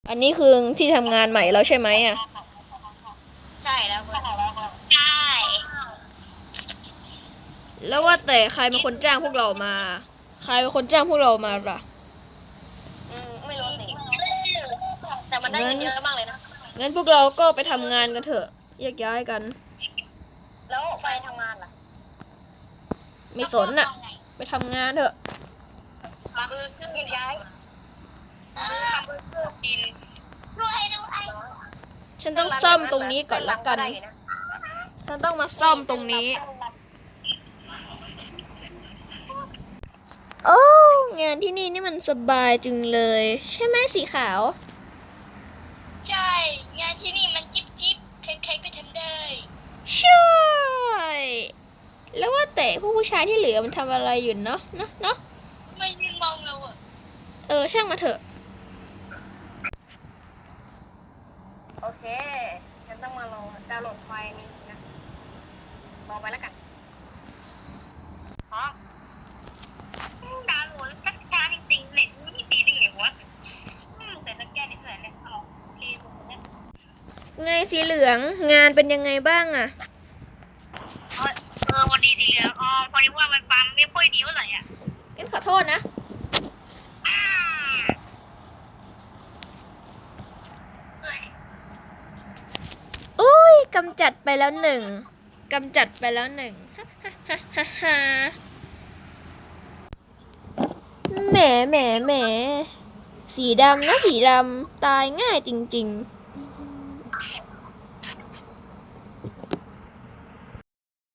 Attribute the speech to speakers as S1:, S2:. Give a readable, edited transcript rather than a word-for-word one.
S1: อันนี้คือที่ทำงานใหม่แล้วใช่ไหมอ่ะ
S2: ใช่แล้วใช่
S1: แล้วว่าแต่ใครเป็นคนจ้างพวกเรามา ใครเป็นคนจ้างพวกเรามาล่ะ
S2: ไม่รู้สิแต่มันได้
S1: งั้น
S2: เงินเยอะมากเลยนะ
S1: งั้นพวกเราก็ไปทำงานกันเถอะแยกย้ายกัน
S2: แล้วไปทำงานล่ะ
S1: ไม่สนน่ะ ไปทำงานเถอะ
S2: มาคือเครื่องย้ายทำเพื่อกินช่วยด้วย
S1: ฉันต้องซ่อมตรงนี้ก่อนละกัน ฉันต้องมาซ่อมตรงนี้ โอ้งานที่นี่นี่มันสบายจึงเลย ใช่ไหมสีขาว
S2: ใช่งานที่นี่มันจิ๊บจิ๊บใครๆก็ทำได้
S1: ใช่ แล้วว่าแต่พวกผู้ชายที่เหลือมันทำอะไรอยู่เนาะเนาะ
S2: ไม่ยืนมองเราอะ
S1: ช่างมาเถอะ
S2: โอเคฉันต้องมาลองดาวน์โหลดไฟล์นี้นะรอไปแล้วกันอ๋อดาวน์โหลดชักช้าจริงๆเน็ตไม่ดีได้ไงวะเสร็จแล้วแก้นิสัยเนี่ยเอาโอเคผมเนี่ย
S1: ไงสีเหลืองงานเป็นยังไงบ้างอะ
S2: วันดีสีเหลืองพอดีว่ามันฟังไม่ค่อยดีเท่าไหร่อ่ะ
S1: งั้นขอโทษนะ
S2: เอ้ย
S1: อุ้ยกำจัดไปแล้วหนึ่งกำจัดไปแล้วหนึ่งฮ่าแหมสีดำนะสีดำตายง่ายจริงๆ